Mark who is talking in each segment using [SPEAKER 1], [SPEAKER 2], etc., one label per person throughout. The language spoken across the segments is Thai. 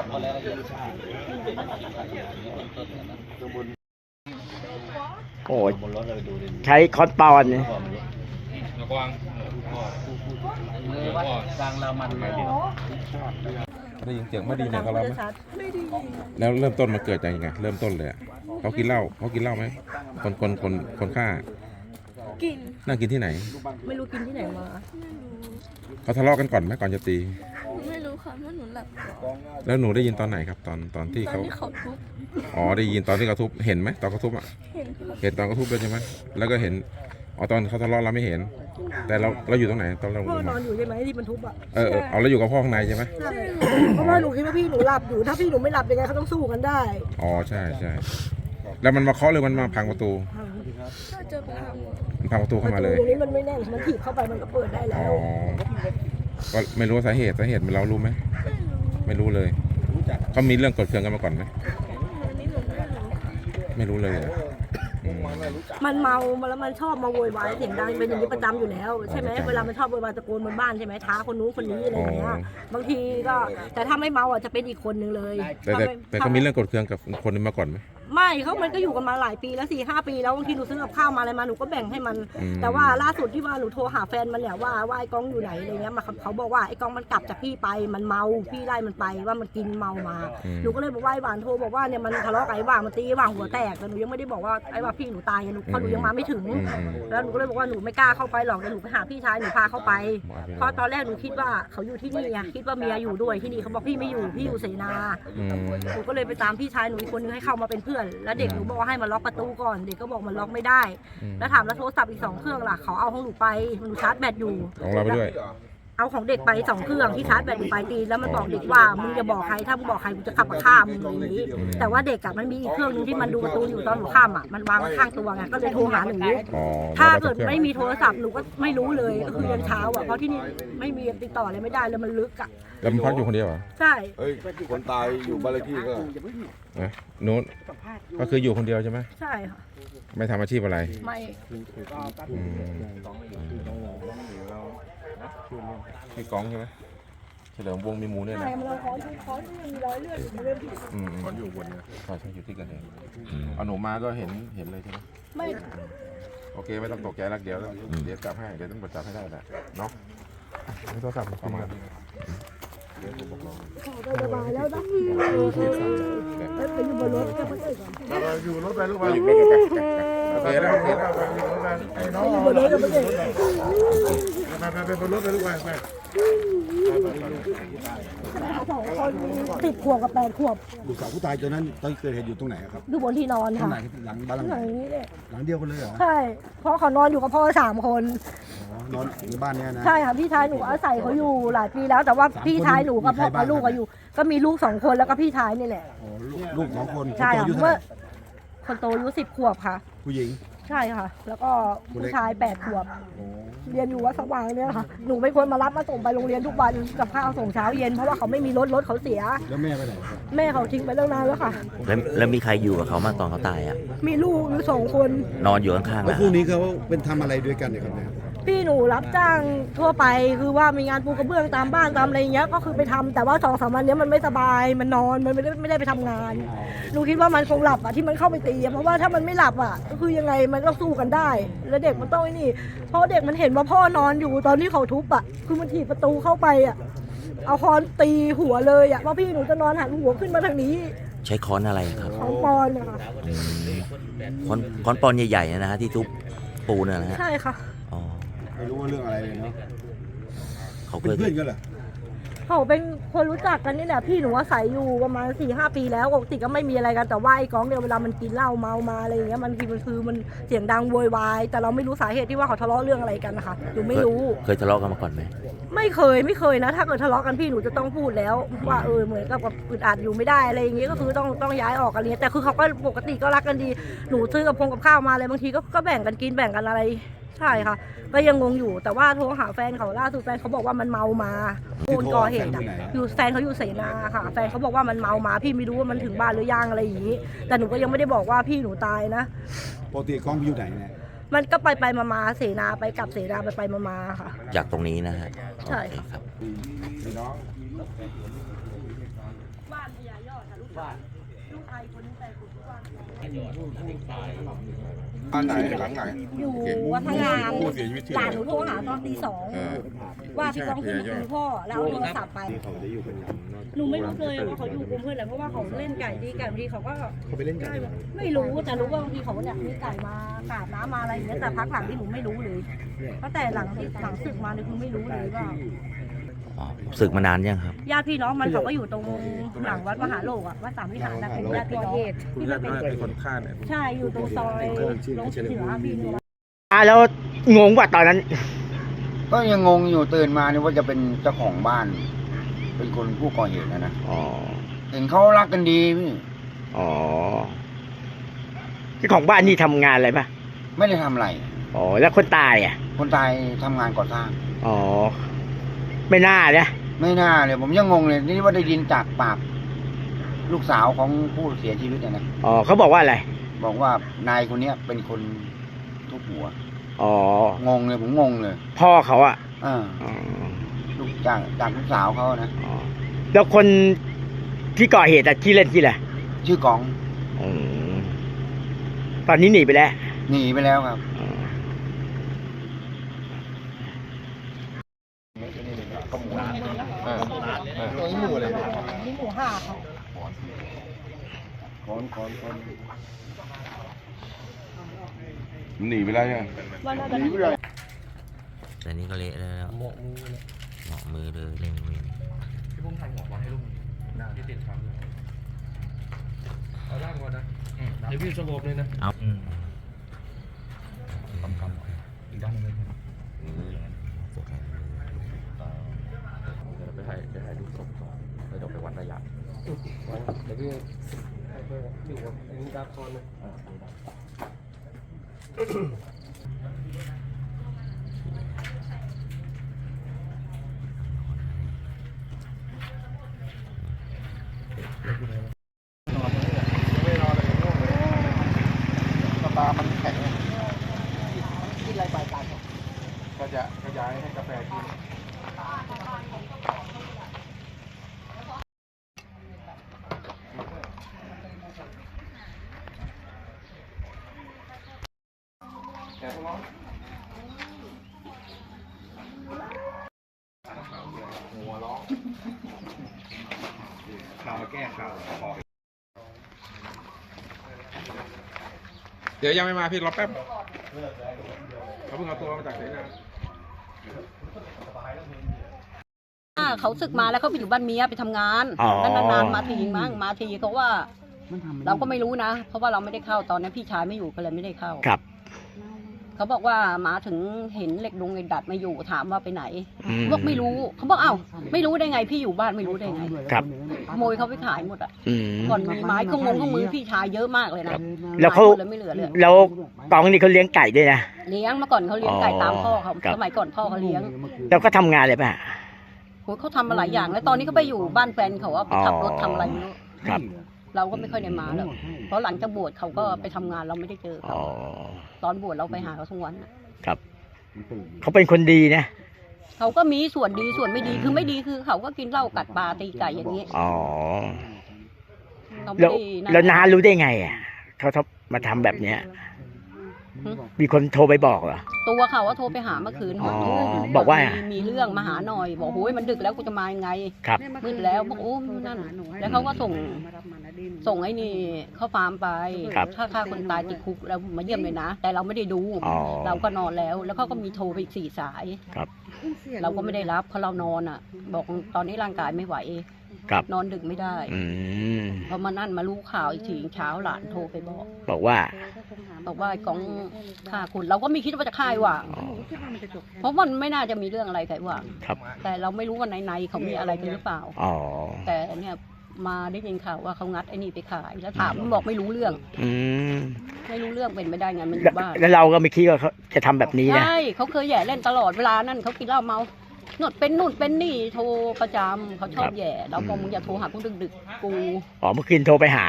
[SPEAKER 1] โอ้ยใช้คอนปอนเนี่ย
[SPEAKER 2] ระวังกลางเรามันได้ยินเสียงไม่ดีเนี่ยเขาเล่าไหมแล้วเริ่มต้นมาเกิดจากยังไงเริ่มต้นเลยเขากินเหล้าไหมคนฆ่า
[SPEAKER 3] กิน
[SPEAKER 2] นั่งกินที่ไหน
[SPEAKER 3] ไม่รู้กินที่ไหนมา
[SPEAKER 2] เขาทะเลาะกันก่อนไหมก่อนจะตี
[SPEAKER 3] ไม่รู้ค่ะเพราะหนูหลับ
[SPEAKER 2] แล้วหนูได้ยินตอนไหนครับตอนที่เขา
[SPEAKER 3] ทุบ
[SPEAKER 2] อ๋อได้ยินตอนที่เขาทุบเห็นไหมตอนเขาทุบอ่ะเห็นตอนเขาทุบด้วยใช่ไหมแล้วก็เห็นอ๋อตอนเขาทะเลาะเราไม่เห็นแต่เราอยู่ตรงไหนตอนเรา
[SPEAKER 3] พ่อนอนอยู่ใช่ไหมที่มันทุบอ่ะ
[SPEAKER 2] เอาแล้วอยู่กับพ่อข้างในใช่ไหม
[SPEAKER 3] เพราะว่าหนูคิดว่าพี่หนูหลับอยู่ถ้าพี่หนูไม่หลับยังไงเขาต้องสู้กันได้
[SPEAKER 2] อ๋อใช่แล้วมันมาเคาะเลยมันมาพังประตู
[SPEAKER 3] ถ้าเจอ
[SPEAKER 2] พังประตูเข้ามาเลย
[SPEAKER 3] ตรงนี้มันไม่แน่นมันถีบเข้าไปมันก็เปิดได้แล้ว
[SPEAKER 2] ก็ไม่รู้สาเหตุเรารู้ไหมไม่รู้เลยเขามีเรื่องกดเครื่องกันมาก่อนไหมไม่รู้เลย
[SPEAKER 3] มันเมาแล้วมันชอบมาโวยวายเสียงดังเป็นอย่างนี้ประจำอยู่แล้วใช่ไหมเวลามันชอบโวยวายตะโกนบนบ้านใช่ไหมท้าคนนู้นคนนี้อะไรอย่างเงี้ยบางทีก็แต่ถ้าไม่เมาอ่ะจะเป็นอีกคนนึงเลย
[SPEAKER 2] แต่เขามีเรื่องกดเครื่องกับคนนี้มาก่อนไหม
[SPEAKER 3] ไม่มันก็อยู่กันมาหลายปีแล้ว4-5 ปีแล้วบางทีหนูซื้อกับข้าวมาอะไรมาหนูก็แบ่งให้มันแต่ว่าล่าสุดที่ว่าหนูโทรหาแฟนมันเนี่ยว่าไอ้กองอยู่ไหนอะไรเงี้ยมาเขาบอกว่าไอ้กองมันกลับจากพี่ไปมันเมาพี่ไล่มันไปว่ามันกินเมามาหนูก็เลยบอกว่าไอ้หวานโทรบอกว่าเนี่ยมันทะเลาะกับไอ้หวานมันตีไอ้หวานหัวแตกแต่หนูยังไม่ได้บอกว่าไอ้ว่าพี่หนูตายเพราะหนูยังมาไม่ถึงแล้วหนูก็เลยบอกว่าหนูไม่กล้าเข้าไปหรอกเดี๋ยวหนูไปหาพี่ชายหนูพาเข้าไปเพราะตอนแรกหนูคิดว่าเขาอยู่ที่นี่ไงคิดว่าเมียอยู่ด้วยที่นี่เขาบอกพี่ไม่อยู่พี่อยู่เสนาหนูก็เลยไปตามพี่ชายหนูอีกคนนึงให้เข้ามาเป็นเพื่อนแล้วเด็กหนูบอกให้มาล็อกประตูก่อนเด็กก็บอกมันล็อกไม่ได้แล้วถามแล้วโทรศัพท์อีก2 เครื่องล่ะเขาเอาของหนูไปหนูชาร์จแบตอยู่
[SPEAKER 2] ของเราไปด้วย
[SPEAKER 3] เอาของเด็กไป2 เครื่องที่ชาร์จแบตอยู่ไปตีแล้วมันบอกเด็กว่ามึงอย่าบอกใครถ้ามึงบอกใครกูจะขับมาฆ่ามึงอย่างนี้แต่ว่าเด็กมันมีอีกเครื่องนึงที่มันดูประตูอยู่ตอนหัวค่ำอ่ะมันวางข้างตัวไงก็เลยโทรหาหนูถ้าเกิดไม่มีโทรศัพท์หนูก็ไม่รู้เลยก็คือยันเช้าอ่ะเพราะที่นี่ไม่มีติดต่อเลยไม่ได้เลยมันลึกอ่ะ
[SPEAKER 2] แล้วมันพักอยู่คนเดียวเหรอ
[SPEAKER 3] ใช่
[SPEAKER 4] คนตายอยู่บ้านเลขที่ก็
[SPEAKER 2] นู้นก็คืออยู่คนเดียวใช่ไหม
[SPEAKER 3] ใช่ค่ะ
[SPEAKER 2] ไม่ทำอาชีพอะไร
[SPEAKER 3] ไม่
[SPEAKER 2] พี่ก้องใช่ไหมเฉลิมวงมีหมูเนี่ยนะ
[SPEAKER 3] ใช่เราขอมีรอยเลือดอยู่เรื่องที่
[SPEAKER 2] ขออยู่บนเนี่ยใช่อยู่ที่กันเองเอาหนูมาก็เห็นเลยใช่ไหม
[SPEAKER 3] ไม่
[SPEAKER 2] โอเคไม่ต้องตกใจรักเดี๋ยวจับให้เดี๋ยวต้องจับให้ได้แหละเนาะไม่ต้องจับประมาณนี้เดี๋ยวผมบอกเรา
[SPEAKER 3] สบายแล้วนะไปอยู่บนรถก็ไม่ได้
[SPEAKER 4] อยู่รถไปลูกไป
[SPEAKER 2] อยู่รถไปโอเคแล้ว
[SPEAKER 4] ไอ้น้อง
[SPEAKER 3] อยู่บนรถก็ไม่ได้
[SPEAKER 4] ไปบนรถไปลูกไป
[SPEAKER 3] 2 คน10 ขวบกับ8 ขวบ
[SPEAKER 4] ลูกสาวผู้ตายตอนนั้นตอนเกิดเหตุอยู่ตรงไหนครับ
[SPEAKER 3] อยู่บนที่นอนค่ะ
[SPEAKER 4] หลังบ้านหลังนี้หลังเดียวกันเลยเหรอ
[SPEAKER 3] ใช่เพราะเขานอนอยู่กับพ่อ3 คน
[SPEAKER 4] นอนในบ้านนี้นะ
[SPEAKER 3] ใช่ค่ะพี่ชายหนูอาศัยเขาอยู่หลายปีแล้วแต่ว่าพี่ชายหนูกับพ่อกับลูกก็อยู่ก็มีลูก2 คนแล้วก็พี่ชายนี่แหละ
[SPEAKER 4] ลูก2 คน
[SPEAKER 3] ใช่ค่ะเมื่อคนโตอายุ10 ขวบค่ะ
[SPEAKER 4] ผู้หญิง
[SPEAKER 3] ใช่ค่ะแล้วก็ผู้ชาย8 ขวบเรียนอยู่วัดสว่างเนี่ยค่ะหนูไม่ควรมารับมาส่งไปโรงเรียนทุกวันกับข้าวส่งเช้าเย็นเพราะว่าเขาไม่มีรถเขาเสีย
[SPEAKER 4] แล้วแม่ไปไหน
[SPEAKER 3] แม่เขาทิ้งไปตั้งนานแล้วค่ะ
[SPEAKER 1] แล้วมีใครอยู่กับเขามาตอนเขาตายอ่ะ
[SPEAKER 3] มีลูกอยู่2 คน
[SPEAKER 1] นอนอยู่ข้างๆ
[SPEAKER 4] แล้วคู่นี้เขาเป็นทำอะไรด้วยกันเนี่ยครับเนี่ย
[SPEAKER 3] พี่หนูรับจ้างทั่วไปคือว่ามีงานปูกระเบื้องตามบ้านตามอะไรเงี้ยก็คือไปทำแต่ว่า2-3 วันนี้มันไม่สบายมันนอนมันไม่ได้ไปทำงานหนูคิดว่ามันคงหลับอ่ะที่มันเข้าไปตีเพราะว่าถ้ามันไม่หลับอ่ะก็คือยังไงมันก็สู้กันได้แล้วเด็กมันต้องไอ้นี่เพราะเด็กมันเห็นว่าพ่อนอนอยู่ตอนที่เขาทุบอ่ะคือมันถีบประตูเข้าไปอ่ะเอาค้อนตีหัวเลยอ่ะเพราะพี่หนูจะนอนหันหัวขึ้นมาทางนี้
[SPEAKER 1] ใช้ค้อนอะไรครับ
[SPEAKER 3] ค้อนปอนค่ะ
[SPEAKER 1] ค้อนปอนใหญ่ๆนะฮะที่ทุบปูนนะฮะ
[SPEAKER 3] ใช่ค่ะ
[SPEAKER 4] ไม่รู้ว่าเรื่องอะไรเลยเนาะ
[SPEAKER 1] เขา
[SPEAKER 4] เป็นเพื่อนกันเหรอ
[SPEAKER 3] เขาเป็นคนรู้จักกันนี่แหละพี่หนูอาศัยอยู่ประมาณ4-5 ปีแล้วปกติก็ไม่มีอะไรกันแต่ว่าไอ้ก้องเนี่ยเวลามันกินเหล้าเมามาอะไรอย่างเงี้ยมันคือมันเสียงดังโวยวายแต่เราไม่รู้สาเหตุที่ว่าเขาทะเลาะเรื่องอะไรกันนะคะหนูไม่รู้
[SPEAKER 1] เคยทะเลาะกันมาก่อนไหม
[SPEAKER 3] ไม่เคยนะถ้าเกิดทะเลาะกันพี่หนูจะต้องพูดแล้วว่าเหมือนกับอึดอัดอยู่ไม่ได้อะไรอย่างเงี้ยก็คือต้องย้ายออกกันเลยแต่คือเขาก็ปกติก็รักกันดีหนูซื้อกับข้าวมาอะไรบางทีก็แบ่งกันกินแบ่งกันอะไรใช่ค่ะก็ยังงงอยู่แต่ว่าโทรหาแฟนเขาล่าสุดแฟนเขาบอกว่ามันเมามาคนก่อเหตุอยู่แฟนเขาอยู่เสนาค่ะแฟนเขาบอกว่ามันเมามาพี่ไม่รู้ว่ามันถึงบ้านหรือยังอะไรอย่างนี้แต่หนูก็ยังไม่ได้บอกว่าพี่หนูตายนะ
[SPEAKER 4] ปกติกล้องอยู่ไหนเนี่ย
[SPEAKER 3] มันก็ไปมาเสนาไปกลับเสนาไปมาค่ะ
[SPEAKER 1] จากตรงนี้นะฮะ
[SPEAKER 3] ใช่
[SPEAKER 1] ครับ
[SPEAKER 3] ลูกชายคนนี้แต่ทุกวัน
[SPEAKER 2] บ้านไหนหลังไหน
[SPEAKER 3] อยู่วัฒนาราม
[SPEAKER 2] ผู้เสียชีวิตชื่อ
[SPEAKER 3] ห
[SPEAKER 2] อะ
[SPEAKER 3] ลาน
[SPEAKER 2] ไร
[SPEAKER 3] หนูโทรหาตอนตี
[SPEAKER 2] เออ
[SPEAKER 3] 2ว่าพี่ก้องขึ้นมาคุยพ่อแล้วเอาโทรศัพท์ไปหนูไม่รู้เลยว่าเขาอยู่กลุ่มเพื่อนอะไรเพราะว่าเขาเล่นไก่ดีไก่บางทีเขาก็
[SPEAKER 4] เขาไปเล่นไก่
[SPEAKER 3] ไม่รู้แต่รู้ว่าบางทีเขาเนี่ยมีไก่มาสาดน้ำมาอะไรอย่างเงี้ยแต่พักหลังที่หนูไม่รู้เลยตั้งแต่หลังศึกมาเนี่ยคือไม่รู้เลยว่า
[SPEAKER 1] อ๋อศึกมานานยังครับ
[SPEAKER 3] ญาติพี่น้องมันเขาก็อยู่ตรงหลังวัดมหาโลกอ่ะวัดสามวิหารนะเป็นญาติพี่น้องที่มันเป็น
[SPEAKER 2] เป็นคนฆ่าเนี่ย
[SPEAKER 3] ใช่อยู่ตรงซอยลงเหนือพี่น้อง
[SPEAKER 5] แล้วงงว่าตอนนั้น
[SPEAKER 6] ก็ยังงงอยู่ตื่นมานี่ว่าจะเป็นเจ้าของบ้าน เป็นคนผู้ก่อเหตุนะ
[SPEAKER 5] อ๋อ
[SPEAKER 6] เห็นเขารักกันดีพี่
[SPEAKER 5] อ๋อเจ้าของบ้านนี่ทำงานอะไรปะ
[SPEAKER 6] ไม่ได้ทำอะไร
[SPEAKER 5] อ๋อ แล้วคนตายอ่ะ
[SPEAKER 6] คนตายทำงานก่อสร้าง
[SPEAKER 5] อ๋อ ไม่น่านะ
[SPEAKER 6] ไม่น่าเลยผมยังงงเลยนี่ว่าได้ยินจากปากลูกสาวของผู้เสียชีวิตนะ
[SPEAKER 5] อ๋อเขาบอกว่าอะไร
[SPEAKER 6] บอกว่านายคนเนี้ยเป็นคนทุบหัว
[SPEAKER 5] อ๋อ
[SPEAKER 6] งงเลยผมงงเลย
[SPEAKER 5] พ่อเขาอ่ะ
[SPEAKER 6] อ่า
[SPEAKER 5] อ๋อ
[SPEAKER 6] ลูกจากลูกสาวเขานะ
[SPEAKER 5] อ๋อแล้วคนที่ก่อเหตุอะที่เล่นที่แหละ
[SPEAKER 6] ชื่อกอง
[SPEAKER 5] อืมตอนนี้หนีไปแล้ว
[SPEAKER 6] หนีไปแล้วครับ
[SPEAKER 5] อ๋อ
[SPEAKER 4] ตัวนี้หมูอะไรเนี่ย
[SPEAKER 3] นี่หมูห่าเขา
[SPEAKER 2] หนีไปแล้วยัง
[SPEAKER 3] ว่าน่าจะ
[SPEAKER 1] แต่นี่ก็เละแล้วเหมาะมือเลยเล่นมือ
[SPEAKER 7] พี่พุ่มถ่ายหัวบอลให้ลูกที่ติดครับเอาล่างก่อนนะเดี๋ยวพี่สงบเลยนะ
[SPEAKER 1] เอา
[SPEAKER 7] อีกด้านนึงเลย
[SPEAKER 2] ไปถ่ายดูศพก่อนแล้วเดี๋ยวไปวัดระยะ
[SPEAKER 7] เดี๋ยวพี่อยู่กับดาคอนนะ
[SPEAKER 6] ตามันแข็ง
[SPEAKER 3] กินอะไรไปกัน
[SPEAKER 2] ก็จะขยายให้กาแฟกิน
[SPEAKER 4] ข่าวมาแก้ข่าว
[SPEAKER 2] เดี๋ยวยังไม่มาพี่รอแป๊บเขาเพิ่งเอาตัวมาจากไหนนะ
[SPEAKER 3] เขาศึกมาแล้วเขาไปอยู่บ้านเมียไปทำงาน
[SPEAKER 5] อ๋อ
[SPEAKER 3] แล้วนานๆมาทีมั้งมาทีเขาว่า เราก็ไม่รู้นะ เพราะว่าเราไม่ได้เข้าตอนนั้นพี่ชายไม่อยู่ก็เลยไม่ได้เข้า
[SPEAKER 5] ครับ
[SPEAKER 3] เขาบอกว่ามาถึงเห็นเหล็กดงเหล็กดัดมาอยู่ถามว่าไปไหน
[SPEAKER 5] อืม
[SPEAKER 3] บอกไม่รู้เขาบอกอ้าวไม่รู้ได้ไงพี่อยู่บ้านไม่รู้ได้ไง
[SPEAKER 5] ครับ
[SPEAKER 3] ขโมยเขาไปขายหมดอ่ะ
[SPEAKER 5] อืม
[SPEAKER 3] ก่อนมีไม้เครื่องมือพี่ชายเยอะมากเลยนะ
[SPEAKER 5] แล้วเขา
[SPEAKER 3] ขยหมดเลยไม่เหลือเลย
[SPEAKER 5] แล้วกองนี่เขาเลี้ยงไก่ด้วยนะ
[SPEAKER 3] เลี้ยงมาก่อนเขาเลี้ยงไก่ตามพ่อเขา
[SPEAKER 5] ครับ
[SPEAKER 3] สมัยก่อนพ่อเขาเลี้ยง
[SPEAKER 5] แล้วก็ทำงานอะไรป่ะ
[SPEAKER 3] โหเขาทำมาหลายอย่างแล้วตอนนี้เขาไปอยู่บ้านแฟนเขาว่าไปขับรถทำอะไรไม่รู้
[SPEAKER 5] ครับ
[SPEAKER 3] เราก็ไม่ค่อยได้มาหรอกเพราะหลังจากบวชเขาก็ไปทำงานเราไม่ได้เจอ
[SPEAKER 5] อ๋
[SPEAKER 3] เขา
[SPEAKER 5] อ
[SPEAKER 3] ตอนบวชเราไปหาเขาทุกวันน่ะ
[SPEAKER 5] ครับ เขาเป็นคนดีนะ
[SPEAKER 3] เขาก็มีส่วนดีส่วนไม่ดีคือไม่ดีคือเขาก็กินเหล้ากัดปลาตีไก่อย่างนี้
[SPEAKER 5] อ๋อ
[SPEAKER 3] เราไม่
[SPEAKER 5] แล้ว
[SPEAKER 3] ได้
[SPEAKER 5] แล้วน้ารู้ได้ไงอ่ะเขามาทำแบบเนี้ย มีคนโทรไปบอกเหรอ
[SPEAKER 3] ตัวเขาว่าโทรไปหาเมื่อคืน
[SPEAKER 5] อ๋อบอกว่า
[SPEAKER 3] มีเรื่องมาหาหน่อย บอกโอ้ยมันดึกแล้วกูจะมายังไง
[SPEAKER 5] ครับ
[SPEAKER 3] มืดแล้วบอกโอ้นั่นแล้วเขาก็ส่งไอ้นี่เข้าฟาร์มไป
[SPEAKER 5] ครับ
[SPEAKER 3] ถ้าฆ่าคนตายติดคุกแล้วมาเยี่ยมเลยนะ แต่เราไม่ได้ดู
[SPEAKER 5] อ๋อ
[SPEAKER 3] เราก็นอนแล้ว แล้วเขาก็มีโทรไปอีก4 สาย
[SPEAKER 5] ครับ
[SPEAKER 3] เราก็ไม่ได้รับเพราะเรานอนอ่ะ บอกตอนนี้ร่างกายไม่ไหว
[SPEAKER 5] ครับ
[SPEAKER 3] นอนดึกไม่ได้
[SPEAKER 5] อืม
[SPEAKER 3] พอมานั่นมารู้ข่าวอีกทีเช้าหลานโทรไปบอก
[SPEAKER 5] บอกว่า
[SPEAKER 3] บอกว่าไอ้กองฆ่าคุณเราก็ไม่คิดว่าจะฆ่าไอ้หว่าง
[SPEAKER 5] อ๋อ
[SPEAKER 3] เพราะมันไม่น่าจะมีเรื่องอะไรกับไอ้หว่าง
[SPEAKER 5] ครับ
[SPEAKER 3] แต่เราไม่รู้ว่าในเขามีอะไรกันหรือเปล่า
[SPEAKER 5] อ๋อ
[SPEAKER 3] แต่เนี่ยมาได้ยินข่าวว่าเขางัดไอ้นี่ไปขายแล้วถามมันบอกไม่รู้เรื่อง
[SPEAKER 5] อืม
[SPEAKER 3] ไม่รู้เรื่องเป็นไม่ได้ไงมันอ
[SPEAKER 5] แล้ว
[SPEAKER 3] ยู่บ้าน
[SPEAKER 5] แล้วเราก็ไม่คิดว่าเขาจะทำแบบนี้นะ
[SPEAKER 3] ใช่เขาเคยแย่เล่นตลอดเวลานั่นเขากินเหล้าเมาหนวดเป็นนู่นเป็นนี่โทรประจำเขาชอบแย่เราบอกมึงอย่าโทรหากูดึกๆกู
[SPEAKER 5] อ๋อ เมื่อคืนโทรไปหา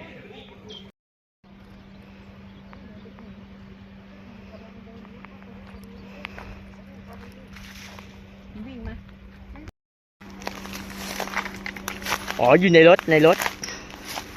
[SPEAKER 3] วิ่งไหม
[SPEAKER 5] อ๋อ อยู่ในรถ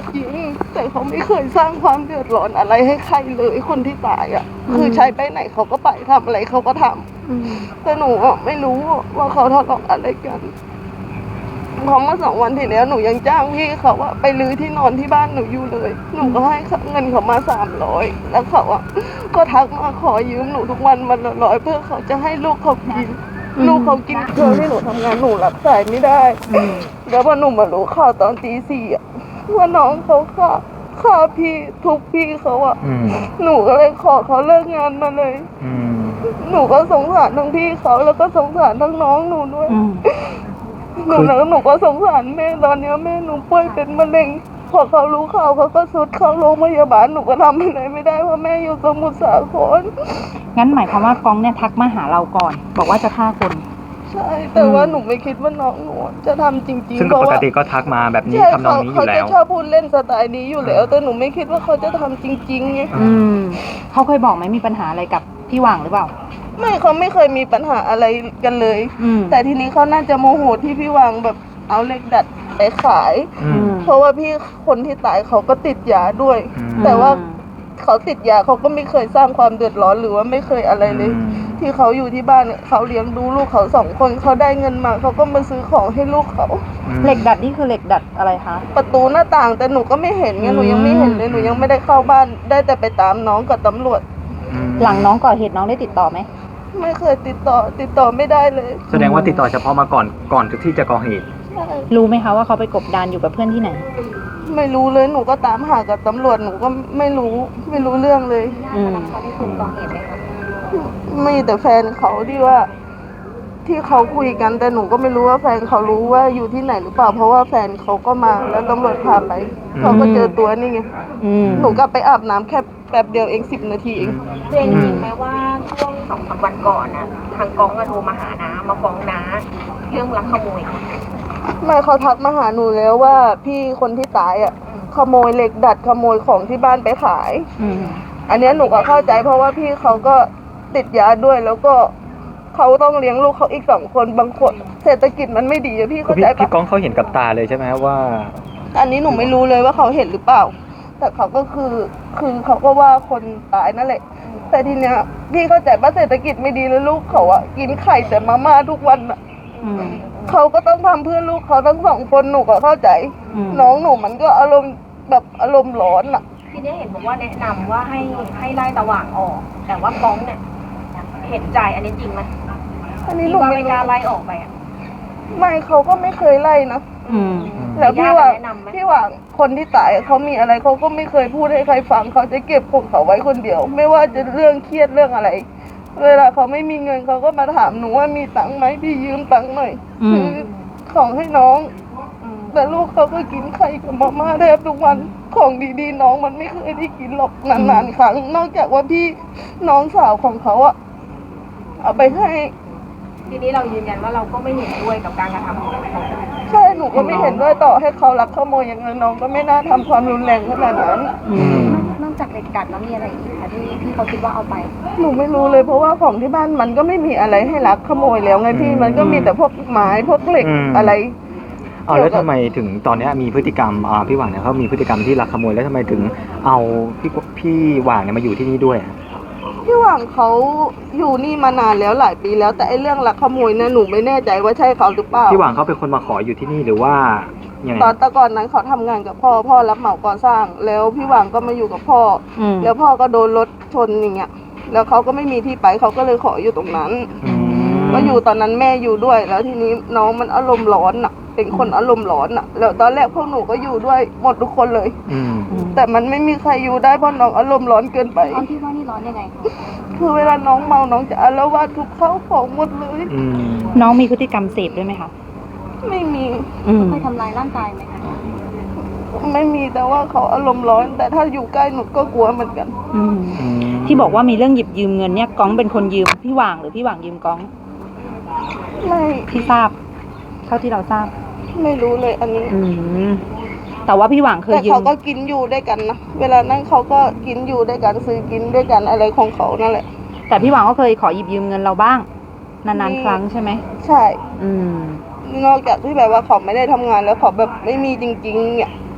[SPEAKER 8] จริงแต่เขาไม่เคยสร้างความเดือดร้อนอะไรให้ใครเลยคนที่ตายอ่ะคือใช้ไปไหนเขาก็ไปทำอะไรเขาก็ทำแต่หนูอะไม่รู้ว่าเขาทะเลาะอะไรกันเพราะเมื่อ2 วันที่แล้วหนูยังจ้างพี่เขาว่าไปรื้อที่นอนที่บ้านหนูอยู่เลยหนูก็ให้เงินเขามา300แล้วเขาอ่ะก็ทักมาขอยืมหนูทุกวันวันละ100เพื่อเขาจะให้ลูกเขากินลูกเขากินเครื่องที่หนูทำงานหนูรับสายไม่ได้แล้วพอหนูมารู้ข่าวตอนตี 4อ่ะว่าน้องเขาฆ่าพี่ทุบพี่เขาอ่ะหนูก็เลยขอเขาเลิกงานมาเลยหนูก็สงสารทั้งพี่เขาแล้วก็สงสารทั้งน้องหนูด้วยหนูก็สงสารแม่ตอนนี้แม่หนูป่วยเป็นมะเร็งพอเขารู้ข่าวเขาก็สุดเข้าโรงพยาบาลหนูก็ทำอะไรไม่ได้เพราะแม่อยู่สมุทรสาคร
[SPEAKER 9] งั้นหมายความว่ากองเนี่ยทักมาหาเราก่อนบอกว่าจะฆ่าคน
[SPEAKER 8] ใช่แต่ว่าหนูไม่คิดว่าน้องหนูจะทำจริงๆ
[SPEAKER 5] ซึ่งปกติก็ทักมาแบบนี้ทำนองนี้อยู่แล้ว
[SPEAKER 8] เขาจะชอบพูดเล่นสไตล์นี้อยู่แล้วแต่หนูไม่คิดว่าเขาจะทำจริงๆไง
[SPEAKER 9] เขาเคยบอกไหมมีปัญหาอะไรกับพี่หว่างหรือเปล่า
[SPEAKER 8] ไม่เขาไม่เคยมีปัญหาอะไรกันเลยแต่ทีนี้เขาน่าจะโมโหที่พี่หว่างแบบเอาเหล็กดัดไปขายเพราะว่าพี่คนที่ตายเขาก็ติดยาด้วยแต่ว่าเขาติดยาเขาก็ไม่เคยสร้างความเดือดร้อนหรือว่าไม่เคยอะไรเลยที่เขาอยู่ที่บ้านเขาเลี้ยงดูลูกเขา2 คนเขาได้เงินมาเขาก็มาซื้อของให้ลูกเขา
[SPEAKER 9] เหล็กดัดนี่คือเหล็กดัดอะไรคะ
[SPEAKER 8] ประตูหน้าต่างแต่หนูก็ไม่เห็นไงหนูยังไม่เห็นเลยหนูยังไม่ได้เข้าบ้านได้แต่ไปตามน้องกับตำรวจ
[SPEAKER 9] หลังน้องก่อเหตุน้องได้ติดต่อไหม
[SPEAKER 8] ไม่เคยติดต่อไม่ได้เลย
[SPEAKER 5] แสดงว่าติดต่อเฉพาะมาก่อนที่จะก่อเหตุ
[SPEAKER 9] รู้ไหมคะว่าเขาไปกบดานอยู่กับเพื่อนที่ไหน
[SPEAKER 8] ไม่รู้เลยหนูก็ตามหากับตำรวจหนูก็ไม่รู้เรื่องเลย
[SPEAKER 9] เขาได้ถูกก่อเหตุไหมคะ
[SPEAKER 8] ไม่แต่แฟนเขาที่ว่าที่เขาคุยกันแต่หนูก็ไม่รู้ว่าแฟนเขารู้ว่าอยู่ที่ไหนหรือเปล่าเพราะว่าแฟนเขาก็มาแล้วตำรวจพาไปเขาก็เจอตัวนี่ไงหนูก็ไปอาบน้ำแค่แป๊บเดียวเอง10 นาทีเอง
[SPEAKER 10] จริงไหมว่าช่วง2-3 วันก่อนนะทางกองโทรมาหาน้ามาฟ้องน้าเรื่องลักขโมย
[SPEAKER 8] ไม่เขาทักมาหาหนูแล้วว่าพี่คนที่ตายอ่ะขโมยเหล็กดัดขโมยของที่บ้านไปขายอันนี้หนูก็เข้าใจเพราะว่าพี่เขาก็ติดยาด้วยแล้วก็เขาต้องเลี้ยงลูกเขาอีก2 คนบางคนเศรษฐกิจมันไม่ดีอะพี่เข้าใจปะ
[SPEAKER 5] พี่ก้องเขาเห็นกับตาเลยใช่ไหมว่า
[SPEAKER 8] อันนี้หนูไม่รู้เลยว่าเขาเห็นหรือเปล่าแต่เขาก็คือเขาก็ว่าคนตายนั่นแหละแต่ทีเนี้ยพี่เข้าใจว่าเศรษฐกิจไม่ดีแล้วลูกเขาอะกินไข่แต่มาม่าทุกวันอะเขาก็ต้องทำเพื่อลูกเขาทั้ง2 คนหนูก็เข้าใจน้องหนูมันก็อารมณ์ร้อนอะ
[SPEAKER 10] ทีนี้เห็นบอกว่าแนะนำว่าให้ไล่ตะหว่างออกแต่ว่ากองเนี่ยเห็นใจอันนี้จริงไหม
[SPEAKER 8] อันนี้หนู
[SPEAKER 10] ไม่กล้าไล่ออกไปอ่ะ
[SPEAKER 8] ไม่เขาก็ไม่เคยไล่นะแล้วพี่ว่าคนที่ตายเขามีอะไรเขาก็ไม่เคยพูดให้ใครฟังเขาจะเก็บของเขาไว้คนเดียวไม่ว่าจะเรื่องเครียดเรื่องอะไรเวลาเขาไม่มีเงินเขาก็มาถามหนูว่ามีตังค์ไหมพี่ยืมตังค์หน่อยซื้อของให้น้องแต่ลูกเขาก็กินไข่กับมาม่าแทบทุกวันของดีๆน้องมันไม่เคยได้กินหรอกนานๆครั้งนอกจากว่าพี่น้องสาวของเขาอะเอาไปให้
[SPEAKER 10] ทีนี้เรายืนยันว่าเราก็ไม่เห็นด้วยกับการกระทำของเขา
[SPEAKER 8] ใช่หนูก็ไม่เห็นด้วยต่อให้เขารักขโมยอย่างนั้นน้องก็ไม่น่าทำความรุนแรงขนาดนั้น
[SPEAKER 10] นอกจากเหล็กดัดแล้วมีอะไรอีกคะที่เขาคิดว่าเอาไป
[SPEAKER 8] หนูไม่รู้เลยเพราะว่าของที่บ้านมันก็ไม่มีอะไรให้รักขโมยแล้วไงพี่มันก็มีแต่พวกไม้พวกเหล็กอะไร
[SPEAKER 5] แล้วทำไมถึงตอนนี้มีพฤติกรรมพี่หว่างเนี่ยเขามีพฤติกรรมที่ลักขโมยแล้วทำไมถึงเอาพี่หว่างเนี่ยมาอยู่ที่นี่ด้วย
[SPEAKER 8] พี่หว่างเขาอยู่นี่มานานแล้วหลายปีแล้วแต่ไอ้เรื่องลักขโมยเนี่ยหนูไม่แน่ใจว่าใช่เขาหรือเปล่า
[SPEAKER 5] พี่หว่างเขาเป็นคนมาขออยู่ที่นี่หรือว่า
[SPEAKER 8] ตอนแต่ก่อนนั้นเขาทำงานกับพ่อรับเหมาก่อสร้างแล้วพี่หว่างก็มาอยู่กับพ่อแล้วพ่อก็โดนรถชนอย่างเงี้ยแล้วเขาก็ไม่มีที่ไปเขาก็เลยขออยู่ตรงนั้นก็อยู่ตอนนั้นแม่อยู่ด้วยแล้วทีนี้น้องมันอารมณ์ร้อนอ่ะเป็นคนอารมณ์ร้อนอ่ะแล้วตอนแรกพวกหนูก็อยู่ด้วยหมดทุกคนเลยแต่มันไม่มีใครอยู่ได้เพราะน้องอารมณ์ร้อนเกินไป
[SPEAKER 10] ที่ว่านี่ร้อนยังไง
[SPEAKER 8] คือเวลาน้องเมาน้องจะอาละวาดทุบข้าวของหมดเลย
[SPEAKER 9] น้องมีพฤติกรรมเสพด้วยไหมคะ
[SPEAKER 8] ไม่มี
[SPEAKER 10] เคยทำร้ายร่างกายไหมคะ
[SPEAKER 8] ไม่มีแต่ว่าเขาอารมณ์ร้อนแต่ถ้าอยู่ใกล้หนูก็กลัวเหมือนกัน
[SPEAKER 9] ที่บอกว่ามีเรื่องหยิบยืมเงินเนี่ยก้องเป็นคนยืมพี่หว่างหรือพี่หว่างยืมก้อง
[SPEAKER 8] ไม่
[SPEAKER 9] ที่ทราบเท่าที่เราทราบ
[SPEAKER 8] ไม่รู้เลยอันนี้
[SPEAKER 9] แต่ว่าพี่หว่างเคยยืม
[SPEAKER 8] แต่เขาก็กินอยู่ด้วยกันนะเวลานั่งเขาก็กินอยู่ด้วยกันซื้อกินด้วยกันอะไรของเขานั่นแหละ
[SPEAKER 9] แต่พี่หว่างก็เคยขอหยิบยืมเงินเราบ้างนานๆครั้งใช่ไหม
[SPEAKER 8] ใช่นอกจากที่แบบว่าเขาไม่ได้ทำงานแล้วเขาแบบไม่มีจริงๆเนี่ย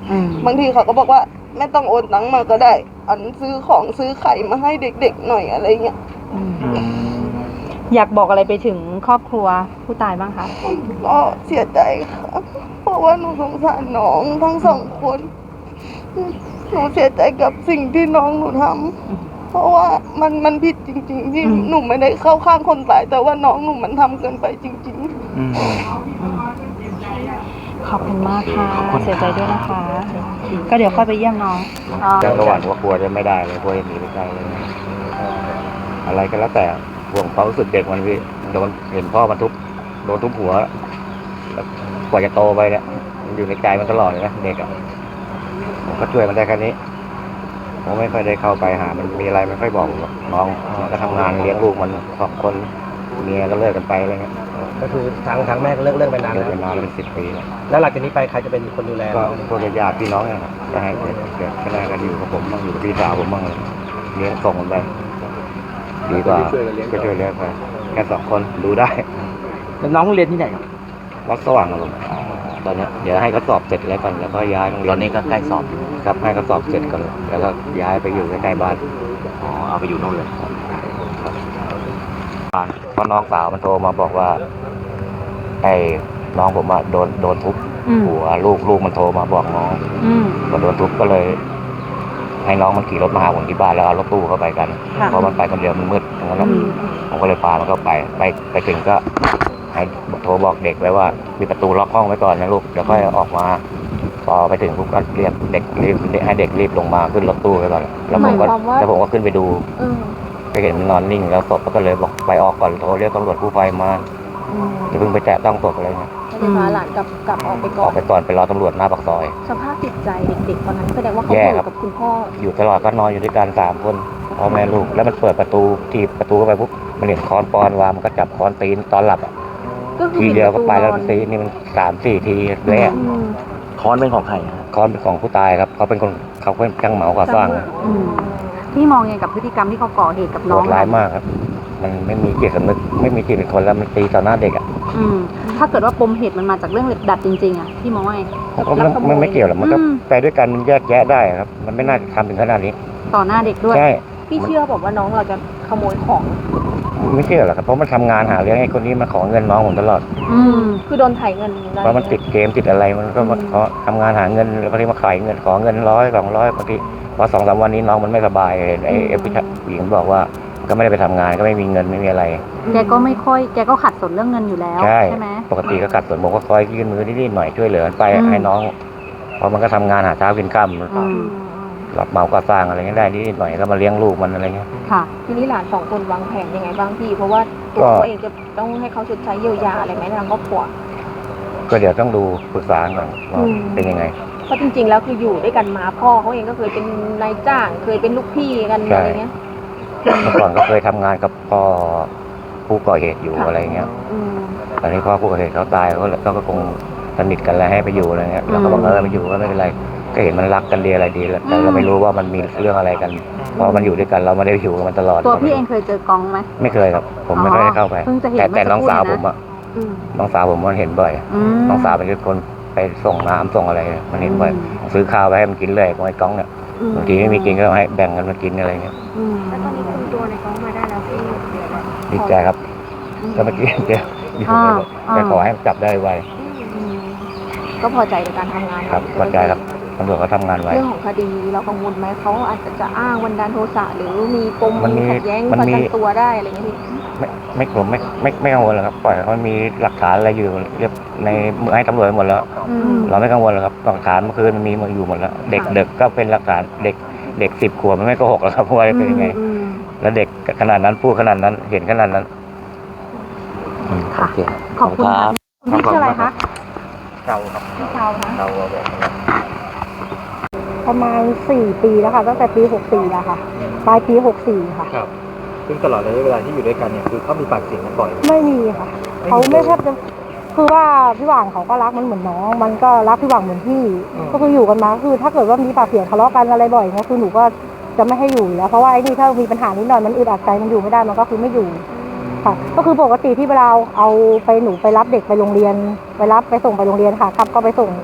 [SPEAKER 8] บางทีเขาก็บอกว่าไม่ต้องโอนตังค์มาก็ได้อันซื้อของซื้อไข่มาให้เด็กๆหน่อยอะไรเงี้ย
[SPEAKER 9] อยากบอกอะไรไปถึงครอบครัวผู้ตายบ้างคะ
[SPEAKER 8] ก็เสียใจค่ะเพราะว่าหนูสงสารน้องทั้งสองคนหนูเสียใจกับสิ่งที่น้องหนูทำเพราะว่ามันผิดจริงๆที่หนูไม่ได้เข้าข้างคนตายแต่ว่าน้องหนูมันทำเกินไปจริงๆ
[SPEAKER 9] ขอบคุณมากค่ะเสียใจด้วยนะคะ ก็เดี๋ยวค่อยไปเยี่ยมน้อง
[SPEAKER 5] แต่ระหว่างว่ากลัวจะไม่ได้เลยกลัวจะหนีไปไกลเลยอะไรก็แล้วแต่ห่วงความรู้สึกเด็กมันพี่โดนเห็นพ่อมันโดนทุบหัวแล้วกว่าจะโตไปเนี่ยมันอยู่ในใจมันตลอดเลยนะเด็กอ่ะผมก็ช่วยมันได้แค่นี้ผมไม่ค่อยได้เข้าไปหามันมีอะไรไม่ค่อยบอกน้องก็ทำงานเลี้ยงลูกมัน2 คนเมียก็เลิกกันไปอะไรเงี้ย
[SPEAKER 7] ก็คือทางแม่ก็เลิกไปนาน
[SPEAKER 5] เลิ
[SPEAKER 7] แล้
[SPEAKER 5] ก
[SPEAKER 7] ว
[SPEAKER 5] ไปนานแล้วเป็น10 ปีแล้ว
[SPEAKER 7] แล้วหลังจากนี้ไปใครจะเป็นคนดูแล
[SPEAKER 5] ก็พวกญาติพี่น้องเนี่ยก็ให้เด็กแค่กันอยู่กับผมบ้างอยู่กับพี่สาวผมบ้างเลยเลี้ยงส่งมันไปดีกว่าก็ช่วยเลี้ยงไปแค่2 คนดูได้
[SPEAKER 7] แล้วน้องเรียนที่ไหนครับ
[SPEAKER 5] วัดสว่างอารมณ์ตอนนี้เดี๋ยวให้เขาสอบเสร็จแล้วก่อนแล้วก็ย้ายโรงเรียน
[SPEAKER 1] ตอนนี้ก็ใกล้สอบ
[SPEAKER 5] ครับให้เขาสอบเสร็จก่อนแล้วก็ย้ายไปอยู่ใกล้ๆบ้าน
[SPEAKER 1] อ๋อเอาไปอยู่โน่นเลย
[SPEAKER 5] เพราะน้องสาวมันโทรมาบอกว่าไอ้น้องผมอะโดนทุบหัวลูกมันโทรมาบอกน้องก็โดนทุบก็เลย ให้น้องมันขี่รถมาหาผมที่บ้านแล้วเอารถตู้เข้าไปกันเพราะมันไปคนเดียวมันมืดอย่างนั้นผมก็เลยพามันเข้าไปถึงก็ให้โทรบอกเด็กไว้ว่าปิดประตูล็อกห้องไว้ก่อนนะลูกเดี๋ยวค่อยออกมาพอไปถึงปุ๊บก็เรียกเด็กรีบให้เด็กรีบลงมาขึ้นรถตู้ไปก่อนแล้วผมก็ขึ้นไปดูไปเห็นมันนอนนิ่งแล้วศพก็เลยบอกไปออกก่อนโทรเรียกตำรวจกู้ภัยมาอย่าเพิ่งไปแตะต้องศพอะไรเงี้ย
[SPEAKER 10] ไม่ได้พาหลานกลับออกไปก่
[SPEAKER 5] อ
[SPEAKER 10] อ
[SPEAKER 5] อน กไปก่อนไปรอตำรวจหน้าปากซอย
[SPEAKER 10] สภาพจิตใจเด็กๆตอนนั้นแสดงว่าเขา
[SPEAKER 5] แย่
[SPEAKER 10] อยู่
[SPEAKER 5] ครับ
[SPEAKER 10] กับคุณพ่อ
[SPEAKER 5] อยู่ตลอดก็นอนอยู่ด้วยกัน3 คนพ่อแม่ลูกแล้วมันเปิดประตูถีบประตูเข้าไปปุ๊บมันเห็นค้อนปอนวางมันก็จับค้อนตีนตอนหลับอ่ะ
[SPEAKER 10] ก็คือ
[SPEAKER 5] ทีเดียวก็ไปแล้ว
[SPEAKER 10] ปิดประตูนอน
[SPEAKER 5] ตีนี่มัน3-4 ทีแรก
[SPEAKER 1] ค้อนเป็นของใครฮะ
[SPEAKER 5] ค้อนเป็นของผู้ตายครับเขาเป็นช่างเหมาก่อสร้าง
[SPEAKER 9] พี่มองยังไงกับพฤติกรรมที่เขาก่อเหตุกับ
[SPEAKER 5] โห
[SPEAKER 9] น้อง
[SPEAKER 5] ดร้ายมากครับ มันไม่มีจิตสำนึกไม่มีจิตเป็นคนแล้วมันตีต่อหน้าเด็กอ่ะ
[SPEAKER 9] ถ้าเกิดว่าปมเหตุมันมาจากเรื่องเหล็กดัดจริงๆอ่ะพี่มองว่าไง
[SPEAKER 5] ผมก็ไม่เกี่ยวหรอกมันก็ไปด้วยกันมันแยกแยะได้ครับ มันไม่น่าจะทำถึงขนาดนี้
[SPEAKER 9] ต่อหน้าเด็กด้วย
[SPEAKER 5] ใช่
[SPEAKER 10] พี่เชื่อบอกว่าน้องเราจะขโมยของ
[SPEAKER 5] ไม่เชื่อหรอกครับเพราะมันทำงานหาเลี้ยงให้คนนี้มาขอเงินน้องผมตลอด
[SPEAKER 10] คือโดนไถเงินได้
[SPEAKER 5] เพราะมันติดเกมติดอะไรมันก็มาขอทำงานหาเงินแล้วบางทีมาขายเงินขอเงิน100-200บางทีพอ2-3 วันนี้น้องมันไม่สบายเห็นไอ้ผู้หญิงบอกว่าก็ไม่ได้ไปทำงานก็ไม่มีเงินไม่มีอะไร
[SPEAKER 9] แกก็ขัดสนเรื่องเงินอยู่แล้วใช่ไหม
[SPEAKER 5] ปกติก็กัดส่วนผมก็คอยยื่นมือนิดๆหน่อยช่วยเหลือไปให้น้องเพราะมันก็ทำงานหาเช้ากินค่ำรับเหมาก่อสร้างอะไรเงี้ยได้นิดๆหน่อยก็มาเลี้ยงลูกมันอะไรเงี้ย
[SPEAKER 9] ค่ะ
[SPEAKER 10] ทีนี้หลาน2 คนวางแผนยังไงบ้างพี่ เพราะว่าตัวเขาเองจะต้องให้เขาชดใช้เยียวยาอะไรไหมทางครอบครัว
[SPEAKER 5] ก็เดี๋ยวต้องดูปรึกษาก่อนว่าเป็นยังไง
[SPEAKER 10] เพราะจริงๆแล้วคืออยู่ด้วยกันมาพ่อเขาเองก็เคยเป็นนายจ้างเคยเป็นลูกพี่กันอะไรเงี้ย
[SPEAKER 5] เมื่อก่อนก็เคยทำงานกับพ่อผู้ก่อเหตุอยู่อะไรเงี้ยตอนนี้พ่อผู้ก่อเหตุเขาตายเขาก็คงสนิทกันแล้วให้ไปอยู่อะไรเงี้ยแล้วก็บอกไปอยู่ก็ไม่เป็นไรก็เห็นมันรักกันดีอะไรดีแล้วแต่เราไม่รู้ว่ามันมีเรื่องอะไรกันเพราะมันอยู่ด้วยกันเราไม่ได้อยู่กับมันตลอด
[SPEAKER 9] ตัวพี่เองเคยเจอกองไหม
[SPEAKER 5] ไม่เคยครับผมไม่ได้เข้าไป
[SPEAKER 9] เพิ่งจะเห็น
[SPEAKER 5] แต่น้องสาว
[SPEAKER 9] เมื่
[SPEAKER 5] ผ
[SPEAKER 9] อ
[SPEAKER 5] ม
[SPEAKER 9] สักครู่นะ
[SPEAKER 5] น้องสาวผมมันเห็นบ่อยน้องสาวเป็นคนไปส่งน้ำส่งอะไรมันเห็นบ่อยซื้อข้าวไปให้มันกินเลยของไอ้ก้องเนี่ยบางทีไม่มีกินก็ให้แบ่งกันมากินอะไรเงี้ย
[SPEAKER 10] แล้วตอนนี้คุมตัวในก้องมาได้แล้วพี่
[SPEAKER 5] ดีใจครับก็เมื่อกี้เดี๋ยวอยู่แต่ขอให้จับได้ไว
[SPEAKER 10] ก็พอใจในการทำงาน
[SPEAKER 5] ครับพอใจครับตำรวจเขาทำงานไว
[SPEAKER 10] เรื่องของคดีเรากังวลไหมเขาอาจจะอ้างบันดาลโทสะหรือมีปม
[SPEAKER 5] มันมี
[SPEAKER 10] ขัดแย้งประกันตัวได้อะไรเงี้ยพี่
[SPEAKER 5] ไม่กังวลหรอกครับปล่อยเขามีหลักฐานอะไรอยู่เรียบในมือให้ตำรวจหมดแล้วเราไม่กังวลหรอกครับหลักฐานเมื่อคืนมันมีมาอยู่หมดแล้วเด็กก็เป็นหลักฐานเด็ก10 ขวบมันไม่โกหกหรอกครับว่าเป็นยังไงแล้วเด็กขนาดนั้นพูดขนาดนั้นเห็นขนาดนั้น
[SPEAKER 9] ค่ะขอบคุณค่ะคุณพี่ชื่ออะไรคะ
[SPEAKER 5] เก่าครับ
[SPEAKER 9] พี่เชานะ
[SPEAKER 5] เก่าบอก
[SPEAKER 3] ประมาณ4 ปีแล้วค่ะตั้งแต่ปี64แล้วค่ะปลายปี64ค่ะ
[SPEAKER 7] ครับซึ่งตลอดระยะเวลาที่อยู่ด้วยกันเนี่ยคือเขามีปากเสียงกันบ่อย
[SPEAKER 3] ไม่มีค่ะเขาไม่แทบจะคือว่าพี่หว่างเขาก็รักมันเหมือนน้องมันก็รักพี่หว่างเหมือนพี่ก็คืออยู่กันมาคือถ้าเกิดว่ามีปากเสียงทะเลาะกันอะไรบ่อยเนี่ยคือหนูก็จะไม่ให้อยู่แล้วเพราะว่าไอ้นี่ถ้ามีปัญหานิดหน่อยมันอึดอัดใจมันอยู่ไม่ได้มันก็คือไม่อยู่ค่ะก็คือปกติที่เวลาเอาไปหนูไปรับเด็กไปโรงเรียนไปรับไปส่งไปโรงเรียนค่ะครับก็ไปส่ง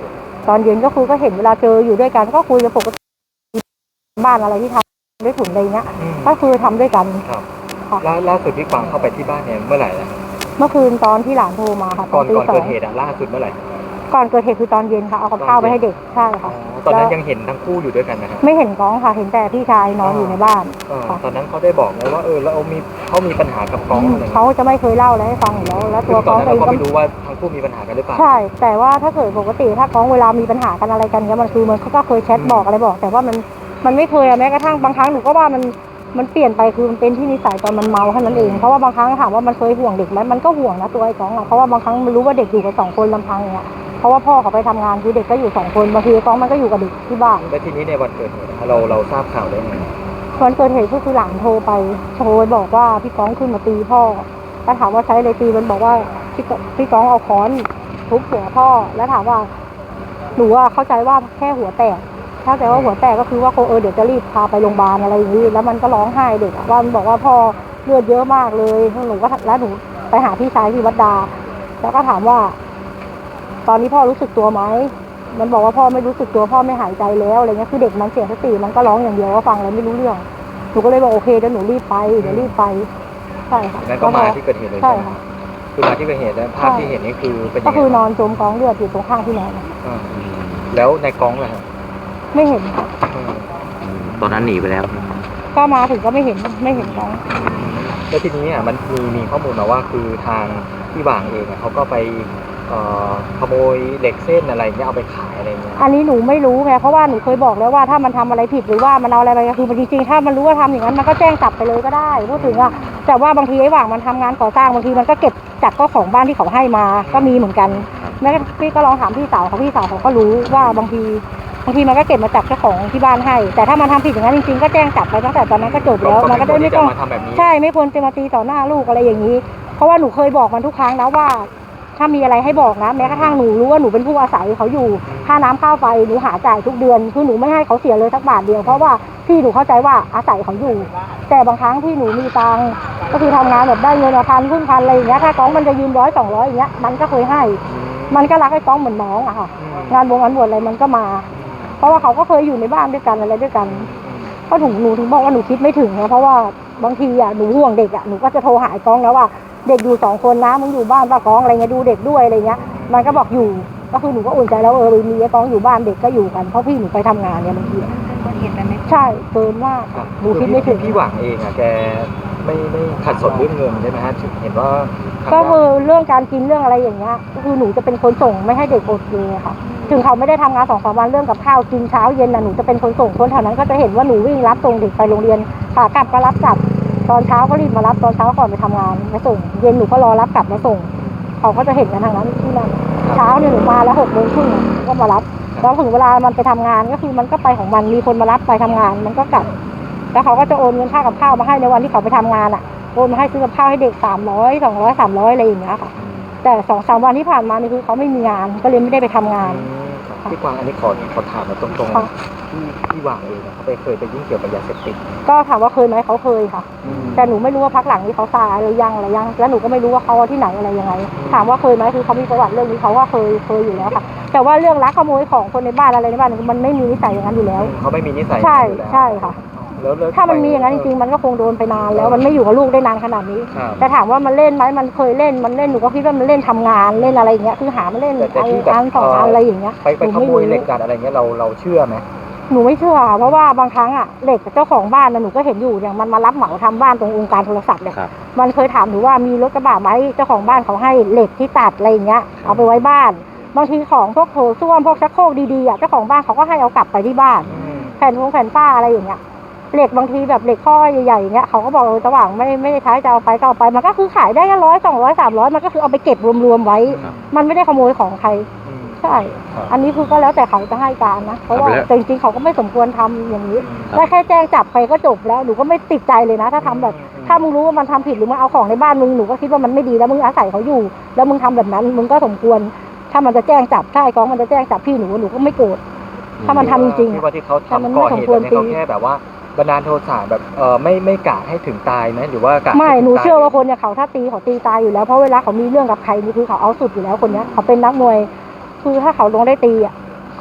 [SPEAKER 3] ตอนเย็นก็คือก็เห็นเวลาเจออยู่ด้วยกันก็คุยกันปกติบ้านอะไรที่ทำได้ถุนอะไรเงี้ยก็คือทำด้วยกัน
[SPEAKER 7] ครับ
[SPEAKER 3] ค่ะ
[SPEAKER 7] ล่าสุดที่กวางเข้าไปที่บ้านเนี่ยเมื่อไหร่นะ
[SPEAKER 3] เมื่อคืนตอนที่หลานโทรมาค่ะต
[SPEAKER 7] ก่
[SPEAKER 3] อ
[SPEAKER 7] อน น
[SPEAKER 3] ตี
[SPEAKER 7] ก่อน
[SPEAKER 3] สอ
[SPEAKER 7] เกิ
[SPEAKER 3] ง
[SPEAKER 7] ดเหตุอะล่าสุดเมื่อไหร่
[SPEAKER 3] ก่อนเกิดเหตุคือตอนเย็นค่ะเอากับข้าวไปให้เด็กใช่ค่ะ
[SPEAKER 7] ตอนนั้นยังเห็นทั้งคู่อยู่ด้วยกันนะครับ
[SPEAKER 3] ไม่เห็นก้องค่ะเห็นแต่พี่ชายนอนอยู่ในบ้านค่ะ
[SPEAKER 7] ตอนนั้นเขาได้บอกไหมว่าแล้วเขามีปัญหากับก้องอะไร
[SPEAKER 3] เขาจะไม่เคยเล่าอะไรให้ฟังอยู่แล้วแล้ว
[SPEAKER 7] คื
[SPEAKER 3] ตัว
[SPEAKER 7] อต
[SPEAKER 3] ก้
[SPEAKER 7] อ
[SPEAKER 3] อน ง
[SPEAKER 7] นั้น
[SPEAKER 3] เอง
[SPEAKER 7] เราก็
[SPEAKER 3] ก็
[SPEAKER 7] ไม่รู้ว่าทั้งคู่มีปัญหากันหรือเปล่า
[SPEAKER 3] ใช่แต่ว่าถ้าเกิดปกติถ้าก้องเวลามีปัญหากันอะไรกันเนี้ยมันคือมันก็เคยแชทบอกอะไรบอก แต่ว่ามันไม่เคยแม้กระทั่งบางครั้งหนูก็ว่ามันเปลี่ยนไปคือมันเป็นที่นิสัยตอนมันเมาแค่นั้นเองเพราะว่าบางครั้งถามว่ามันเคยห่วงเด็กไหมมันก็ห่วงนะตัวไอ้ก้องอะเพราะว่าบางครั้งมันรู้ว่าเด็กอยู่กับ2 คนลำพังอย่างเงี้ยเพราะว่าพ่อเขาไปทำงานคือเด็กก็อยู่2 คนบางทีก้องมันก็อยู่กับเด็กที่บ้าน
[SPEAKER 7] แล้วทีนี้ในวันเกิดเหตุเราทราบข่าวได้ไง
[SPEAKER 3] วันเกิดเหตุก็คือหลานโทรไปบอกว่าพี่ก้องขึ้นมาตีพ่อแล้วถามว่าใช้อะไรตีมันบอกว่าพี่ก้องเอาค้อนทุบหัวพ่อแล้วถามว่าหนูเข้าใจว่าแค่หัวแตกเข้าใจว่าหัวแตกก็คือว่าเดี๋ยวจะรีบพาไปโรงพยาบาลอะไรอย่างนี้แล้วมันก็ร้องไห้เด็กว่ามันบอกว่าพ่อเลือดเยอะมากเลยหนูก็แล้วหนูไปหาพี่ชายที่วัดดาแล้วก็ถามว่า ตอนนี้พ่อรู้สึกตัวไหมมันบอกว่าพ่อไม่รู้สึกตัวพ่อไม่หายใจแล้วอะไรเงี้ยคือเด็กมันเสียสติมันก็ร้องอย่างเดียวว่าฟังอะไรไม่รู้เรื่องหนูก็เลยบอกโอเคเดี๋ยวหนูรีบไปใช่ค่ะ
[SPEAKER 7] งั้นก็มาที่เกิดเหตุเลย
[SPEAKER 3] ใช่ค่ะ
[SPEAKER 7] คือมาที่เกิดเหตุแล้วภาพที่เห็นนี่คือเป็นยัง
[SPEAKER 3] ก็
[SPEAKER 7] ไง
[SPEAKER 3] คือนอนจมกองเลือดอยู่ตรงข้างที่นอน
[SPEAKER 7] แล้วในกองล่ะครับ
[SPEAKER 3] ไม่เห็นค่ะ
[SPEAKER 5] ตอนนั้นหนีไปแล้ว
[SPEAKER 3] ก็มาถึงก็ไม่เห็นกอง
[SPEAKER 7] แล้วทีนี้มันมีข้อมูลมาว่าคือทางพี่หว่างเองเขาก็ไปขโมยเหล็กเส้นอะไรเงี้ยเอาไปขายอะไรเงี้ย
[SPEAKER 3] อันนี้หนูไม่รู้ไงเพราะว่าหนูเคยบอกแล้วว่าถ้ามันทำอะไรผิดหรือว่ามันเอาอะไรไปคือจริงๆถ้ามันรู้ว่าทำอย่างนั้นมันก็แจ้งจับไปเลยก็ได้พูดถึงอะแต่ว่าบางทีไอ้หว่างมันทำงานก่อสร้างบางทีมันก็เก็บจากเจ้าของบ้านที่เขาให้มาก็มีเหมือนกันแม่พี่ก็ลองถามพี่สาวเขาก็รู้ว่าบางทีมันก็เก็บมาจากเจ้าของที่บ้านให้แต่ถ้ามันทำผิดอย่างนั้นจริงๆก็แจ้งจับไปตั้งแต่ตอนนั้นก็จบแล้วมันก็ได้ไม่ต้องใช่ไม่ควรจะมาตีต่อหน้าลูกอะไรอย่างนี้เพราะว่าหนูเคยบอกมันทุกครั้งแล้วว่าถ้ามีอะไรให้บอกนะแม้กระทั่งหนูรู้ว่าหนูเป็นผู้อาศัยเขาอยู่ค่าน้ำค่าไฟหนูหาจ่ายทุกเดือนคือหนูไม่ให้เขาเสียเลยสักบาทเดียวเพราะว่าพี่หนูเข้าใจว่าอาศัยเขาอยู่แต่บางครั้งที่หนูมีตังค์ก็คือทำงานแบบได้เงิน1,000 ครึ่งพันอะไรอย่างเงี้ยถ้าก้องมันจะยืม100 200อย่างเงี้ยมันก็เคยให้มันก็รักไอ้ก้องเหมือนน้องอะค่ะงานบวชอะไรมันก็มาเพราะว่าเขาก็เคยอยู่ในบ้านด้วยกันอะไรด้วยกันก็หนูถึงบอกว่าหนูคิดไม่ถึงนะเพราะว่าบางทีอะหนูห่วงเด็กอะหนูก็จะโทรหาไอ้ก้องแล้วว่าเด็กอยู่2 คนนะมึงอยู่บ้านป้าก้องอะไรเงี้ยดูเด็กด้วยอะไรเงี้ยมันก็บอกอยู่ก็คือหนูก็อุ่นใจแล้วมีไอ้ก้องอยู่บ้านเด็กก็อยู่กันเพราะพี่หนูไปทำงานเนี่ยบางทีใช่เกินมากหนูคิดไม่ถึง
[SPEAKER 7] พี่หว่างเองแกไม่ขัดสนเรื่องเงินใช่ไหมฮะเห็นว่า
[SPEAKER 3] ก็คือเรื่องการกินเรื่องอะไรอย่างเงี้ยก็คือหนูจะเป็นคนส่งไม่ให้เด็กอดเลยค่ะถึงเขาไม่ได้ทำงาน2-3 วันเรื่องกับข้าวกินเช้าเย็นน่ะหนูจะเป็นคนส่งคนแถวนั้นก็จะเห็นว่าหนูวิ่งรับส่งเด็กไปโรงเรียนขากลับก็รับกลับตอนเช้าก็รีบมารับตอนเช้าก่อนไปทำงานไปส่งเย็นหนูก็รอรับกลับมาส่งเขาก็จะเห็นกันทางนั้นที่นั่นเช้าเนี่ยหนูมาแล้ว6:30ก็มารับแล้วถึงเวลามันไปทำงานก็คือมันก็ไปของมันมีคนมารับไปทำงานมันก็กลับแล้วเขาก็จะโอนเงินค่ากับข้าวมาให้ในวันที่เขาไปทำงานอ่ะโอนมาให้ซื้อกับข้าวให้เด็ก300 200 300อะไรอย่างเงี้ยค่ะแต่2-3 วันที่ผ่านมานี่คือเขาไม่มีงานก็เลยไม่ได้ไปทำงาน
[SPEAKER 7] พี่กวางอันนี้ขอถามมาตรงๆพี่หว่างเองเขาเคยไปยุ่งเกี่ยวกับยาเสพติด
[SPEAKER 3] ก็ถามว่าเคยไหมเขาเคยค่ะแต่หนูไม่รู้ว่าพักหลังนี้เขาตายหรือยังอะไรยังแล้วหนูก็ไม่รู้ว่าเขาที่ไหนอะไรยังไงถามว่าเคยไหมคือเขามีประวัติเรื่องนี้เขาว่าเคยอยู่แล้วค่ะแต่ว่าเรื่องลักขโมยของคนในบ้านอะไรในบ้านมันไม่มีนิสัยอย่างนั้นอยู่แล้ว
[SPEAKER 7] เขาไม่มีนิสัย
[SPEAKER 3] ใช่ค่ะแล้วถ้ามันมีอย่างนั้นจริงๆมันก็คงโดนไปนานแล้วมันไม่อยู่กับลูกได้นานขนาดนี้แต่ถามว่ามันเล่นไหมมันเคยเล่นหนูก็คิดว่ามันเล่นทำงานเล่นอะไรอย่างเงี้ยคือหามาเล่นอัน2 อันอะไรอย่างเงี้ย
[SPEAKER 7] ไปขโมยเหล็กดัดอะไรเงี้ยเราเชื่อไหม
[SPEAKER 3] หนูไม่เชื่อเพราะว่าบางครั้งอะเหล็กเจ้าของบ้านหนูก็เห็นอยู่อย่างมันมารับเหมาทำบ้านตรงองค์การโทรศัพท์เนี่ยมันเคยถามหนูว่ามีรถกระบะไหมเจ้าของบ้านเขาให้เหล็กที่ตัดอะไรอย่างเงี้ยเอาไปไว้บ้านบางทีของพวกโถส้วมพวกชักโครกดีๆอะเจ้าของบ้านเขาก็ให้เอากลับไปที่บ้านแผ่นฝ้าอะไรอย่างเงี้ยเหล็กบางทีแบบเหล็กข้อใหญ่ๆอย่างเงี้ยเขาก็บอกสว่างไม่ได้ใช้จะเอาไปก็เอาไปมันก็คือขายได้100 200 300มันก็คือเอาไปเก็บรวมๆไว้มันไม่ได้ขโมยของใครใช่อันนี้คือก็แล้วแต่เขาจะให้การนะเพราะว่าจริงๆเขาก็ไม่สมควรทำอย่างนี้ได้แค่แจ้งจับไปก็จบแล้วหนูก็ไม่ติดใจเลยนะถ้าทำแบบถ้ามึงรู้ว่ามันทำผิดหรือมันเอาของในบ้านมึงหนูก็คิดว่ามันไม่ดีแล้วมึงอาศัยเขาอยู่แล้วมึงทำแบบนั้นมึงก็สมควรถ้ามันจะแจ้งจับถ้าไอ้กองมันจะแจ้งจับพี่หนูก็ไม่โกรธถ้ามันทำจริง
[SPEAKER 7] ๆที่เขาทำก่อเหตุเนี่ยเขาแค่แบบว่าบันดาลโทสะแบบไม่กะให้ถึงตายไหมหรือว่ากะ
[SPEAKER 3] ไม่หนูเชื่อว่าคนอย่างเขาถ้าตีเขาตีตายอยู่แล้วเพราะเวลาเขามีเรื่องกับใครนี่คือเขาเอาสุดอยู่แล้วคนนี้เขาเป็นนักมวยคือถ้าเขาลงได้ตีอ่ะ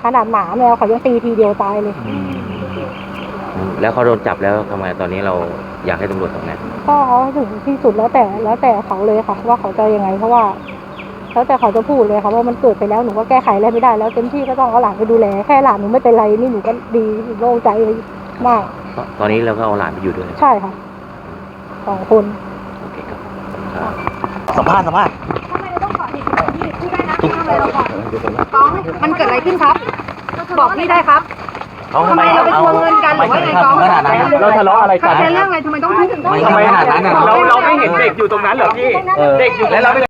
[SPEAKER 3] ขนาดหมาแมวเขายังตีทีเดียวตายเลย
[SPEAKER 1] แล้วเขาโดนจับแล้วทำไมตอนนี้เราอยากให้ตำรวจทำไง
[SPEAKER 3] ก็เอาให้ถึงที่สุดแล้วแต่เขาเลยค่ะว่าเขาจะยังไงเพราะว่าแล้วแต่เขาจะพูดเลยค่ะว่ามันเกิดไปแล้วหนูก็แก้ไขอะไรไม่ได้แล้วเต็มที่ก็ต้องเอาหลานไปดูแลแค่หลานหนูไม่เป็นไรนี่หนูก็ดีโล่งใจมาก
[SPEAKER 1] ตอนนี้เราก็เอาหลานไปอยู่ด้วย
[SPEAKER 3] ใช่ค่ะ2 คน
[SPEAKER 1] โอเคครับ
[SPEAKER 7] สัมภาษณ์
[SPEAKER 10] ทำไมเราต้องก่อเหตุแบบนี้พูดได้นะทำอะไรเราก่อนก้องมันเกิดอะไรขึ้นครับ บอกพี่ได้ครับทำไมเราไปทวงเงินกันหรือว่าไงก้อง
[SPEAKER 7] เราทะเลาะอะไรกัน
[SPEAKER 10] เป็นเรื่องอะไรทำไมต้องพูดถึง
[SPEAKER 1] ไม่ขนาดนั้น
[SPEAKER 7] เราไม่เห็นเด็กอยู่ตรงนั้นเหรอพี่ เด็กอยู่แล้วเรา